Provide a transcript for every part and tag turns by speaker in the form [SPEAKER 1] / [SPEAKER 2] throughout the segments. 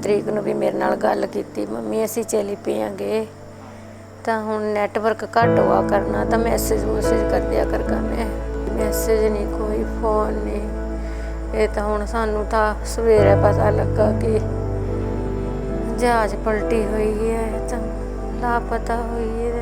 [SPEAKER 1] ਤਰੀਕ ਨੂੰ ਵੀ ਮੇਰੇ ਨਾਲ ਗੱਲ ਕੀਤੀ, ਮੰਮੀ ਅਸੀਂ ਚਲੀ ਪਈਆਂਗੇ ਤਾਂ ਹੁਣ ਨੈਟਵਰਕ ਘੱਟ ਹੋਆ ਕਰਨਾ ਤਾਂ ਮੈਸੇਜ ਕਰ ਦਿਆ ਕਰ ਮੈਂ ਮੈਸੇਜ ਨਹੀਂ, ਕੋਈ ਫੋਨ ਨਹੀਂ। ਇਹ ਤਾਂ ਹੁਣ ਸਾਨੂੰ ਤਾਂ ਸਵੇਰੇ ਪਤਾ ਲੱਗਾ ਕਿ ਜਹਾਜ਼ ਪਲਟੀ ਹੋਈ ਹੈ, ਤਾਂ ਲਾਪਤਾ ਹੋਈ ਹੈ।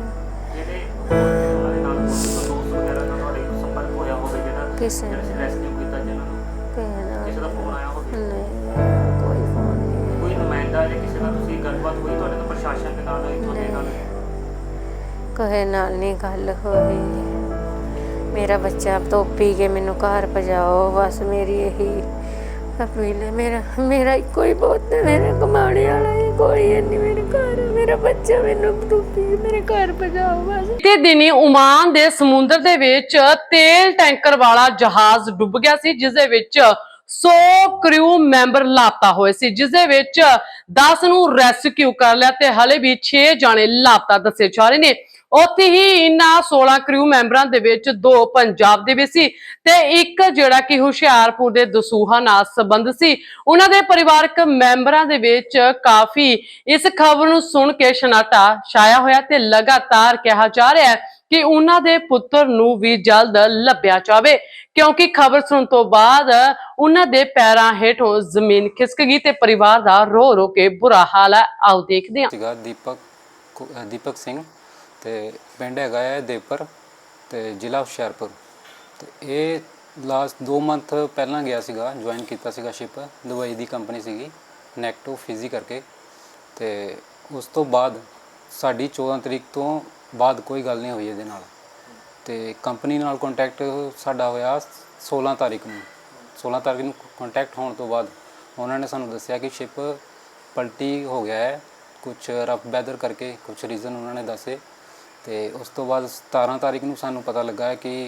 [SPEAKER 1] ਕਿਸੇ ਨੇ ਕਿਸੇ ਦਾ ਫੋਨ ਆਇਆ ਹੋਵੇ? ਨਹੀਂ, ਕੋਈ ਫੋਨ ਨਹੀਂ। ਕੋਈ ਨੁਮਾਇੰਦਾ ਜਾਂ ਕਿਸੇ ਨਾਲ ਤੁਸੀਂ ਗੱਲਬਾਤ ਹੋਈ ਤੁਹਾਡੇ ਨਾਲ ਪ੍ਰਸ਼ਾਸਨ ਦੇ ਨਾਲ ਇੱਥੋਂ ਦੇ ਨਾਲ? ਕਿਸੇ ਨਾਲ ਨਹੀਂ ਗੱਲ ਹੋਈ। ਮੇਰਾ ਬੱਚਾ ਧੋਪੀ ਕੇ ਮੈਨੂੰ ਘਰ ਪਜਾਓ, ਬਸ ਮੇਰੀ ਇਹੀ ਅਪੀਲ ਹੈ। ਮੇਰਾ ਇੱਕੋ ਹੀ ਬਹੁਤ ਹੈ, ਮੇਰੇ ਕਮਾਣੇ ਵਾਲਾ ਕੋਈ ਨਹੀਂ ਮੇਰੇ ਘਰ। ਮੇਰਾ ਬੱਚਾ ਮੈਨੂੰ ਧੋਪੀ ਮੇਰੇ ਘਰ ਪਜਾਓ ਬਸ।
[SPEAKER 2] ਤੇ ਦਿਨੀ ਓਮਾਨ ਦੇ ਸਮੁੰਦਰ ਦੇ ਵਿੱਚ ਤੇਲ ਟੈਂਕਰ ਵਾਲਾ ਜਹਾਜ਼ ਡੁੱਬ ਗਿਆ ਸੀ, ਜਿਸ ਦੇ ਵਿੱਚ 100 ਕਰੂ ਮੈਂਬਰ ਲਾਪਤਾ ਹੋਏ ਸੀ, ਜਿਸ ਦੇ ਵਿੱਚ 10 ਨੂੰ ਰੈਸਕਿਊ ਕਰ ਲਿਆ ਤੇ ਹਲੇ ਵੀ 6 ਜਾਣੇ ਲਾਪਤਾ ਦੱਸੇ ਜਾ ਰਹੇ ਨੇ। ਉੱਥੇ ਹੀ ਇਹਨਾਂ 16 ਕਰੂ ਮੈਂਬਰਾਂ ਦੇ ਵਿੱਚ 2 ਪੰਜਾਬ ਦੇ ਵੀ ਸੀ ਤੇ ਇੱਕ ਜਿਹੜਾ ਕਿ ਹੁਸ਼ਿਆਰਪੁਰ ਦੇ ਦਸੂਹਾ ਨਾਲ ਸੰਬੰਧ ਸੀ। ਉਹਨਾਂ ਦੇ ਪਰਿਵਾਰਕ ਮੈਂਬਰਾਂ ਦੇ ਵਿੱਚ ਕਾਫੀ ਇਸ ਖਬਰ ਨੂੰ ਸੁਣ ਕੇ ਸ਼ਨਾਟਾ ਛਾਇਆ ਹੋਇਆ ਤੇ ਲਗਾਤਾਰ ਕਿਹਾ ਜਾ ਰਿਹਾ ਹੈ ਕਿ ਉਹਨਾਂ ਦੇ ਪੁੱਤਰ ਨੂੰ ਵੀ ਜਲਦ ਲੱਭਿਆ ਜਾਵੇ, ਕਿਉਂਕਿ ਖਬਰ ਸੁਣਨ ਤੋਂ ਬਾਅਦ ਉਹਨਾਂ ਦੇ ਪੈਰਾਂ ਹੇਠੋਂ ਜ਼ਮੀਨ ਖਿਸਕ ਗਈ ਤੇ ਪਰਿਵਾਰ ਦਾ ਰੋ ਰੋ ਕੇ ਬੁਰਾ ਹਾਲ ਹੈ। ਆਓ ਦੇਖਦੇ ਹਾਂ।
[SPEAKER 3] ਦੀਪਕ ਸਿੰਘ ਤੇ ਪਿੰਡ ਹੈਗਾ ਹੈ ਦੇਵਪੁਰ ਤੇ ਜ਼ਿਲ੍ਹਾ ਹੁਸ਼ਿਆਰਪੁਰ। ਤੇ ਇਹ ਲਾਸਟ 2 ਮੰਥ ਪਹਿਲਾਂ ਗਿਆ ਸੀਗਾ, ਜੁਆਇਨ ਕੀਤਾ ਸੀਗਾ ਸ਼ਿਪ। ਦੁਬਈ ਦੀ ਕੰਪਨੀ ਸੀਗੀ ਨੈਕਟੋ ਫਿਜ਼ੀ ਕਰਕੇ। ਤੇ ਉਸ ਤੋਂ ਬਾਅਦ ਸਾਡੀ 14 ਤਰੀਕ ਤੋਂ ਬਾਅਦ ਕੋਈ ਗੱਲ ਨਹੀਂ ਹੋਈ ਇਹਦੇ ਨਾਲ। ਤੇ ਕੰਪਨੀ ਨਾਲ ਕੰਟੈਕਟ ਸਾਡਾ ਹੋਇਆ 16 ਤਾਰੀਖ ਨੂੰ। 16 ਤਾਰੀਖ ਨੂੰ ਕੰਟੈਕਟ ਹੋਣ ਤੋਂ ਬਾਅਦ ਉਹਨਾਂ ਨੇ ਸਾਨੂੰ ਦੱਸਿਆ ਕਿ ਸ਼ਿਪ ਪਲਟੀ ਹੋ ਗਿਆ ਹੈ, ਕੁਛ ਰਫ ਵੈਦਰ ਕਰਕੇ ਕੁਛ ਰੀਜ਼ਨ ਉਹਨਾਂ ਨੇ ਦੱਸੇ। ਤੇ ਉਸ ਤੋਂ ਬਾਅਦ 17 ਤਾਰੀਖ ਨੂੰ ਸਾਨੂੰ ਪਤਾ ਲੱਗਾ ਹੈ ਕਿ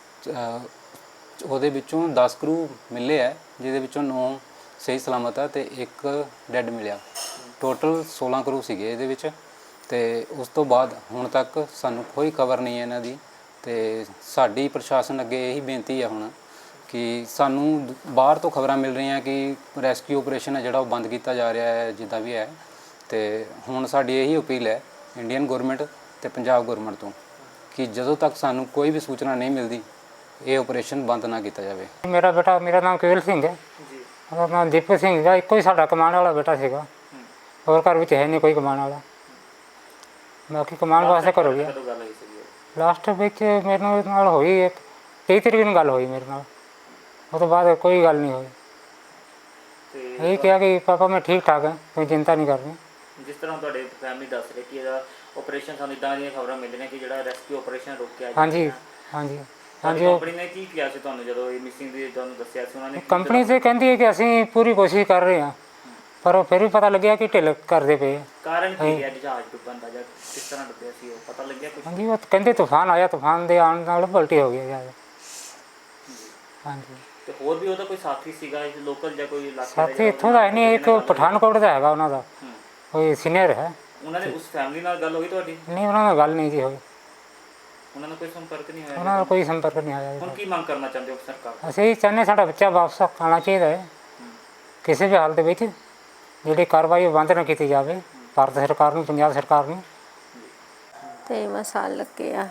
[SPEAKER 3] ਉਹਦੇ ਵਿੱਚੋਂ 10 ਕਰੂ ਮਿਲੇ ਹੈ, ਜਿਹਦੇ ਵਿੱਚੋਂ 9 ਸਹੀ ਸਲਾਮਤ ਹੈ ਤੇ 1 ਡੈੱਡ ਮਿਲਿਆ। ਟੋਟਲ 16 ਕਰੂ ਸੀਗੇ ਇਹਦੇ ਵਿੱਚ। ਤੇ ਉਸ ਤੋਂ ਬਾਅਦ ਹੁਣ ਤੱਕ ਸਾਨੂੰ ਕੋਈ ਖਬਰ ਨਹੀਂ ਹੈ ਇਹਨਾਂ ਦੀ। ਤੇ ਸਾਡੀ ਪ੍ਰਸ਼ਾਸਨ ਅੱਗੇ ਇਹੀ ਬੇਨਤੀ ਹੈ ਹੁਣ ਕਿ ਸਾਨੂੰ ਬਾਹਰ ਤੋਂ ਖਬਰਾਂ ਮਿਲ ਰਹੀਆਂ ਕਿ ਰੈਸਕਿਊ ਆਪਰੇਸ਼ਨ ਹੈ ਜਿਹੜਾ ਉਹ ਬੰਦ ਕੀਤਾ ਜਾ ਰਿਹਾ ਹੈ, ਜਿੱਦਾਂ ਵੀ ਹੈ। ਤੇ ਹੁਣ ਸਾਡੀ ਇਹੀ ਅਪੀਲ ਹੈ ਇੰਡੀਅਨ ਗੌਰਮੈਂਟ ਤੇ ਪੰਜਾਬ ਗੌਰਮੈਂਟ ਤੋਂ ਕਿ ਜਦੋਂ ਤੱਕ ਸਾਨੂੰ ਕੋਈ ਵੀ ਸੂਚਨਾ ਨਹੀਂ ਮਿਲਦੀ ਇਹ ਆਪਰੇਸ਼ਨ ਬੰਦ ਨਾ ਕੀਤਾ ਜਾਵੇ।
[SPEAKER 4] ਮੇਰਾ ਨਾਮ ਕੇਵਲ ਸਿੰਘ ਹੈ ਜੀ। ਉਹਦਾ ਨਾਮ ਦੀਪਕ ਸਿੰਘ ਹੈ। ਇੱਕੋ ਹੀ ਸਾਡਾ ਕਮਾਉਣ ਵਾਲਾ ਬੇਟਾ ਸੀਗਾ, ਹੋਰ ਘਰ ਵਿੱਚ ਹੈ ਨਹੀਂ ਕੋਈ ਕਮਾਉਣ ਵਾਲਾ। ਬਾਕੀ ਕਮਾਉਣ ਵਾਸਤੇ ਘਰ ਹੋ ਗਿਆ। ਲਾਸਟ ਵਿੱਚ ਮੇਰੇ ਨਾਲ ਹੋਈ 23 ਤਰੀਕ ਨੂੰ ਗੱਲ ਹੋਈ ਮੇਰੇ ਨਾਲ। ਉਹ ਤੋਂ ਬਾਅਦ ਕੋਈ ਗੱਲ ਨਹੀਂ ਹੋਈ। ਇਹ ਕਿਹਾ ਕਿ ਪਾਪਾ ਮੈਂ ਠੀਕ ਠਾਕ ਹਾਂ, ਕੋਈ ਚਿੰਤਾ ਨਹੀਂ ਕਰਨੀ।
[SPEAKER 5] ਜਿਸ ਤਰ੍ਹਾਂ ਤੁਹਾਡੇ ਫੈਮਿਲੀ ਦੱਸ ਰਹੇ ਕਿ ਇਹਦਾ ਆਪਰੇਸ਼ਨ, ਸਾਨੂੰ ਇੱਦਾਂ ਦੀਆਂ ਖਬਰਾਂ ਮਿਲ ਰਹੀਆਂ ਕਿ ਜਿਹੜਾ ਰੈਸਕਿਊ ਆਪਰੇਸ਼ਨ ਰੋਕਿਆ।
[SPEAKER 4] ਹਾਂਜੀ ਹਾਂਜੀ ਹਾਂਜੀ।
[SPEAKER 5] ਕੰਪਨੀ ਨੇ ਕੀ ਕਿਹਾ ਸੀ ਤੁਹਾਨੂੰ ਜਦੋਂ ਇਹ ਮਿਸਿੰਗ ਦੀ ਤੁਹਾਨੂੰ ਦੱਸਿਆ ਸੀ? ਉਹਨਾਂ ਨੇ
[SPEAKER 4] ਕੰਪਨੀ ਤੇ ਕਹਿੰਦੀ ਹੈ ਕਿ ਅਸੀਂ ਪੂਰੀ ਕੋਸ਼ਿਸ਼ ਕਰ ਰਹੇ ਹਾਂ, ਪਰ ਫਿਰ ਵੀ ਪਤਾ ਲੱਗਿਆ ਕਿ ਢਿੱਲ ਕਰਦੇ ਪਏ।
[SPEAKER 5] ਕਾਰਨ ਕੀ ਹੈ ਜਹਾਜ਼ ਡੁੱਬਣ ਦਾ ਜਾਂ ਕਿਸ ਤਰ੍ਹਾਂ ਡੁੱਬਿਆ ਸੀ, ਉਹ ਪਤਾ ਲੱਗਿਆ ਕੁਝ?
[SPEAKER 4] ਹਾਂਜੀ, ਉਹ ਕਹਿੰਦੇ ਤੂਫਾਨ ਆਇਆ, ਤੂਫਾਨ ਦੇ ਆਉਣ ਨਾਲ ਪਲਟੀ ਹੋ ਗਿਆ ਜਹਾਜ਼। ਹਾਂਜੀ।
[SPEAKER 5] ਤੇ ਹੋਰ ਵੀ ਉਹਦਾ ਕੋਈ ਸਾਥੀ ਸੀਗਾ ਲੋਕਲ ਜਾਂ ਕੋਈ
[SPEAKER 4] ਸਾਥੀ ਇੱਥੋਂ ਦਾ ਹੈ ਨਹੀਂ, ਇੱਕ ਪਠਾਨਕੋਟ ਦਾ ਹੈਗਾ ਉਹਨਾਂ ਦਾ ਕੋਈ ਸੀਨੀਅਰ ਹੈ।
[SPEAKER 5] ਉਹਨਾਂ ਨੇ ਉਸ ਫੈਮਿਲੀ ਨਾਲ ਗੱਲ ਹੋਈ ਤੁਹਾਡੀ?
[SPEAKER 4] ਨਹੀਂ, ਉਹਨਾਂ ਨਾਲ ਗੱਲ ਨਹੀਂ ਜੀ ਹੋਈ।
[SPEAKER 5] ਉਹਨਾਂ ਨਾਲ ਕੋਈ ਸੰਪਰਕ ਨਹੀਂ ਹੋਇਆ?
[SPEAKER 4] ਉਹਨਾਂ ਨਾਲ ਕੋਈ ਸੰਪਰਕ ਨਹੀਂ ਆਇਆ।
[SPEAKER 5] ਹੁਣ ਕੀ ਮੰਗ ਕਰਨਾ ਚਾਹੁੰਦੇ ਹੋ ਸਰਕਾਰ?
[SPEAKER 4] ਅਸੀਂ ਚਾਹੁੰਦੇ ਸਾਡਾ ਬੱਚਾ ਵਾਪਸ ਆਉਣਾ ਚਾਹੀਦਾ ਹੈ ਕਿਸੇ ਵੀ ਹਾਲਤ ਵਿੱਚ। ਜਿਹੜੀ ਕਾਰਵਾਈ ਉਹ ਬੰਦ ਨਾ ਕੀਤੀ ਜਾਵੇ ਭਾਰਤ ਸਰਕਾਰ ਨੂੰ, ਪੰਜਾਬ ਸਰਕਾਰ ਨੂੰ।
[SPEAKER 1] ਤੇ ਮਸਾਲ ਲੱਗਿਆ।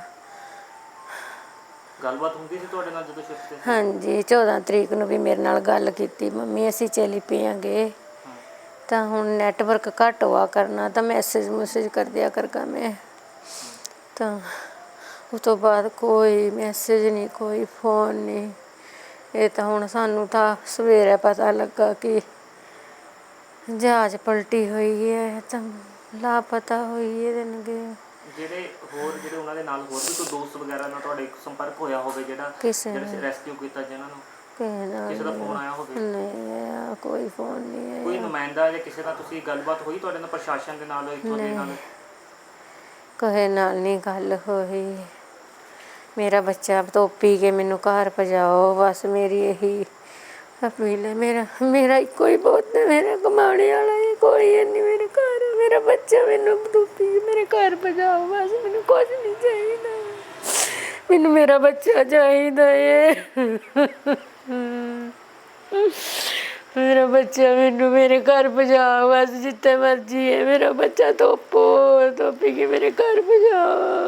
[SPEAKER 5] ਗੱਲਬਾਤ ਹੁੰਦੀ ਸੀ ਤੁਹਾਡੇ ਨਾਲ ਜਦੋਂ ਸ਼ਿਫਟ ਤੇ?
[SPEAKER 1] ਹਾਂਜੀ, 14 ਤਰੀਕ ਨੂੰ ਵੀ ਮੇਰੇ ਨਾਲ ਗੱਲ ਕੀਤੀ, ਮੰਮੀ ਅਸੀਂ ਚਲੀ ਪਈਆਂਗੇ ਤਾਂ ਹੁਣ ਨੈਟਵਰਕ ਘੱਟ ਹੋਆ ਕਰਨਾ ਤਾਂ ਮੈਸੇਜ ਕਰ ਦਿਆ ਕਰ ਮੈਂ। ਤਾਂ ਉਸ ਤੋਂ ਬਾਅਦ ਕੋਈ ਮੈਸੇਜ ਨਹੀਂ, ਕੋਈ ਫੋਨ ਨਹੀਂ। ਇਹ ਤਾਂ ਹੁਣ ਸਾਨੂੰ ਤਾਂ ਸਵੇਰੇ ਪਤਾ ਲੱਗਾ ਕਿ ਜਹਾਜ਼ ਪਲਟੀ ਹੋਈ ਹੈ, ਤਾਂ ਲਾਪਤਾ ਹੋਈ ਹੈ।
[SPEAKER 5] ਜਿਹੜੇ ਉਹਨਾਂ ਦੇ ਨਾਲ ਹੋਰ ਵੀ ਕੋਈ ਦੋਸਤ ਵਗੈਰਾ ਨਾਲ ਤੁਹਾਡੇ ਸੰਪਰਕ ਹੋਇਆ ਹੋਵੇ ਜਿਹੜਾ ਰੈਸਕਿਊ ਕੀਤਾ, ਜਿਹਨਾਂ ਨੂੰ ਕਿਸੇ ਦਾ ਫੋਨ ਆਇਆ ਹੋਵੇ?
[SPEAKER 1] ਨਹੀਂ, ਕੋਈ ਫੋਨ ਨਹੀਂ।
[SPEAKER 5] ਕੋਈ ਨੁਮਾਇੰਦਾ ਜਾਂ ਕਿਸੇ ਨਾਲ ਤੁਸੀਂ ਗੱਲਬਾਤ ਹੋਈ ਤੁਹਾਡੇ ਨਾਲ ਪ੍ਰਸ਼ਾਸਨ ਦੇ ਨਾਲ ਇੱਥੋਂ ਦੇ ਨਾਲ?
[SPEAKER 1] ਕਿਸੇ ਨਾਲ ਨਹੀਂ ਗੱਲ ਹੋਈ। ਮੇਰਾ ਬੱਚਾ ਧੋਪੀ ਕੇ ਮੈਨੂੰ ਘਰ ਪਜਾਓ, ਬਸ ਮੇਰੀ ਇਹੀ ਅਪੀਲ ਹੈ। ਮੇਰਾ ਇੱਕੋ ਹੀ ਬਹੁਤ ਹੈ, ਮੇਰੇ ਕਮਾਉਣੇ ਵਾਲਾ ਕੋਈ ਨਹੀਂ ਮੇਰੇ ਘਰ। ਮੇਰਾ ਬੱਚਾ ਮੈਨੂੰ ਧੋਪੀ ਮੇਰੇ ਘਰ ਪਜਾਓ, ਬਸ ਮੈਨੂੰ ਕੁਝ ਨਹੀਂ ਚਾਹੀਦਾ। ਮੈਨੂੰ ਮੇਰਾ ਬੱਚਾ ਚਾਹੀਦਾ ਏ। ਮੇਰਾ ਬੱਚਾ ਮੈਨੂੰ ਮੇਰੇ ਘਰ ਪਹੁੰਚਾ, ਬਸ ਜਿੱਥੇ ਮਰਜੀ ਹੈ ਮੇਰਾ ਬੱਚਾ ਧੋਪੀ ਕੇ ਮੇਰੇ ਘਰ ਪਹੁੰਚਾ।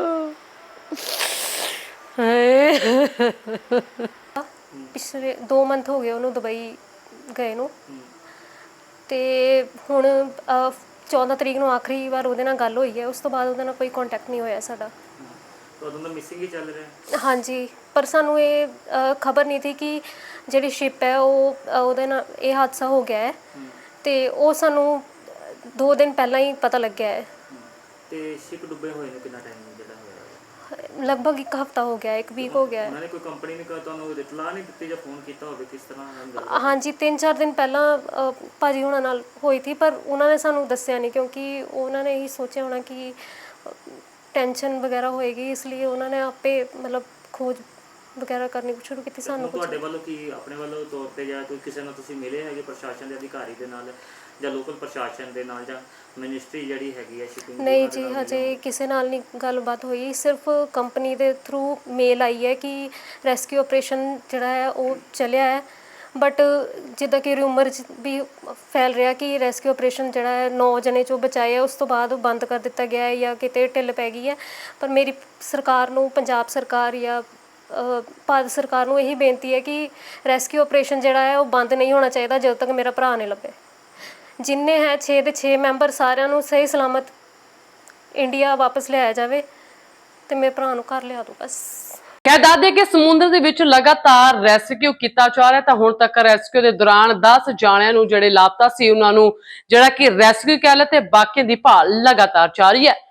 [SPEAKER 6] ਪਿਛਲੇ 2 ਮੰਥ ਹੋ ਗਏ ਉਹਨੂੰ ਦੁਬਈ ਗਏ ਨੂੰ, ਤੇ ਹੁਣ 14 ਤਰੀਕ ਨੂੰ ਆਖਰੀ ਵਾਰ ਉਹਦੇ ਨਾਲ ਗੱਲ ਹੋਈ ਹੈ। ਉਸ ਤੋਂ ਬਾਅਦ ਉਹਦੇ ਨਾਲ ਕੋਈ ਕੰਟੈਕਟ ਨਹੀਂ ਹੋਇਆ ਸਾਡਾ।
[SPEAKER 5] ਉਦੋਂ ਦਾ ਮਿਸਿੰਗ ਹੀ ਚੱਲ ਰਿਹਾ।
[SPEAKER 6] ਹਾਂਜੀ, ਪਰ ਸਾਨੂੰ ਇਹ ਖਬਰ ਨਹੀਂ ਸੀ ਕਿ ਜਿਹੜੀ ਸ਼ਿਪ ਹੈ ਉਹਦੇ ਨਾਲ ਇਹ ਹਾਦਸਾ ਹੋ ਗਿਆ ਹੈ, ਤੇ ਉਹ ਸਾਨੂੰ 2 ਦਿਨ ਪਹਿਲਾਂ ਹੀ ਪਤਾ ਲੱਗਿਆ ਹੈ।
[SPEAKER 5] ਤੇ ਸ਼ਿਪ ਡੁੱਬੇ ਹੋਏ ਨੂੰ ਕਿੰਨਾ ਟਾਈਮ ਜਿਹੜਾ ਹੋਇਆ?
[SPEAKER 6] ਲਗਭਗ 1 ਹਫ਼ਤਾ ਹੋ ਗਿਆ, 1 ਵੀਕ ਹੋ ਗਿਆ ਹੈ।
[SPEAKER 5] ਉਹਨਾਂ ਨੇ ਕੋਈ ਕੰਪਨੀ ਨੇ ਤੁਹਾਨੂੰ ਇਤਲਾਹ ਨਹੀਂ ਦਿੱਤੀ ਜਾਂ ਫੋਨ ਕੀਤਾ ਹੋਵੇ ਕਿਸ ਤਰ੍ਹਾਂ?
[SPEAKER 6] ਹਾਂਜੀ, 3-4 ਦਿਨ ਪਹਿਲਾਂ ਭਾਜੀ ਹੁਣਾਂ ਨਾਲ ਹੋਈ ਸੀ, ਪਰ ਉਹਨਾਂ ਨੇ ਸਾਨੂੰ ਦੱਸਿਆ ਨਹੀਂ, ਕਿਉਂਕਿ ਉਹਨਾਂ ਨੇ ਇਹੀ ਸੋਚਿਆ ਹੋਣਾ ਕਿ ਟੈਨਸ਼ਨ ਵਗੈਰਾ ਹੋਏਗੀ, ਇਸ ਲਈ ਉਹਨਾਂ ਨੇ ਆਪੇ ਮਤਲਬ ਖੋਜ ਵਗੈਰਾ ਕਰਨੀ ਸ਼ੁਰੂ ਕੀਤੀ। ਸਾਨੂੰ
[SPEAKER 5] ਤੁਹਾਡੇ ਵੱਲੋਂ ਕੀ ਆਪਣੇ ਵੱਲੋਂ ਤੌਰ ਤੇ ਜਾਂ ਕੋਈ ਕਿਸੇ ਨਾਲ ਤੁਸੀਂ ਮਿਲੇ ਹੈਗੇ ਪ੍ਰਸ਼ਾਸਨ ਦੇ ਅਧਿਕਾਰੀ ਦੇ ਨਾਲ ਜਾਂ ਲੋਕਲ ਪ੍ਰਸ਼ਾਸਨ ਦੇ ਨਾਲ ਜਾਂ ਮਿਨਿਸਟਰੀ ਜਿਹੜੀ ਹੈਗੀ ਹੈ ਸ਼ਿਪਿੰਗ?
[SPEAKER 6] ਨਹੀਂ ਜੀ, ਹਜੇ ਕਿਸੇ ਨਾਲ ਨਹੀਂ ਗੱਲਬਾਤ ਹੋਈ। ਸਿਰਫ ਕੰਪਨੀ ਦੇ ਥਰੂ ਮੇਲ ਆਈ ਹੈ ਕਿ ਰੈਸਕਿਊ ਆਪਰੇਸ਼ਨ ਜਿਹੜਾ ਹੈ ਉਹ ਚੱਲਿਆ ਹੈ, ਬਟ ਜਿੱਦਾਂ ਕਿ ਰਿਊਮਰ 'ਚ ਵੀ ਫੈਲ ਰਿਹਾ ਕਿ ਰੈਸਕਿਊ ਆਪਰੇਸ਼ਨ ਜਿਹੜਾ ਹੈ 9 ਜਣੇ 'ਚੋਂ ਬਚਾਏ ਹੈ, ਉਸ ਤੋਂ ਬਾਅਦ ਬੰਦ ਕਰ ਦਿੱਤਾ ਗਿਆ ਹੈ ਜਾਂ ਕਿਤੇ ਢਿੱਲ ਪੈ ਗਈ ਹੈ। ਪਰ ਮੇਰੀ ਸਰਕਾਰ ਨੂੰ, ਪੰਜਾਬ ਸਰਕਾਰ ਜਾਂ ਭਾਰਤ ਸਰਕਾਰ ਨੂੰ ਇਹੀ ਬੇਨਤੀ ਹੈ ਕਿ ਰੈਸਕਿਊ ਆਪਰੇਸ਼ਨ ਜਿਹੜਾ ਹੈ ਉਹ ਬੰਦ ਨਹੀਂ ਹੋਣਾ ਚਾਹੀਦਾ ਜਦੋਂ ਤੱਕ ਮੇਰਾ ਭਰਾ ਨਹੀਂ ਲੱਭੇ। ਜਿੰਨੇ ਹੈ 6 ਦੇ 6 ਮੈਂਬਰ, ਸਾਰਿਆਂ ਨੂੰ ਸਹੀ ਸਲਾਮਤ ਇੰਡੀਆ ਵਾਪਸ ਲਿਆਇਆ ਜਾਵੇ ਤੇ ਮੇਰੇ ਭਰਾ ਨੂੰ ਘਰ ਲਿਆ ਦਿਓ ਬਸ।
[SPEAKER 2] ਕਹਿ ਦੱਸਦੇ ਕਿ ਸਮੁੰਦਰ ਦੇ ਵਿੱਚ ਲਗਾਤਾਰ ਰੈਸਕਿਊ ਕੀਤਾ ਜਾ ਰਿਹਾ, ਤਾਂ ਹੁਣ ਤੱਕ ਰੈਸਕਿਊ ਦੇ ਦੌਰਾਨ 10 ਜਾਣਿਆਂ ਨੂੰ ਜਿਹੜੇ ਲਾਪਤਾ ਸੀ ਉਹਨਾਂ ਨੂੰ ਜਿਹੜਾ ਕਿ ਰੈਸਕਿਊ ਕਹਿ ਲਏ ਤੇ ਬਾਕੀਆਂ ਦੀ ਭਾਲ ਲਗਾਤਾਰ ਜਾਰੀ ਹੈ।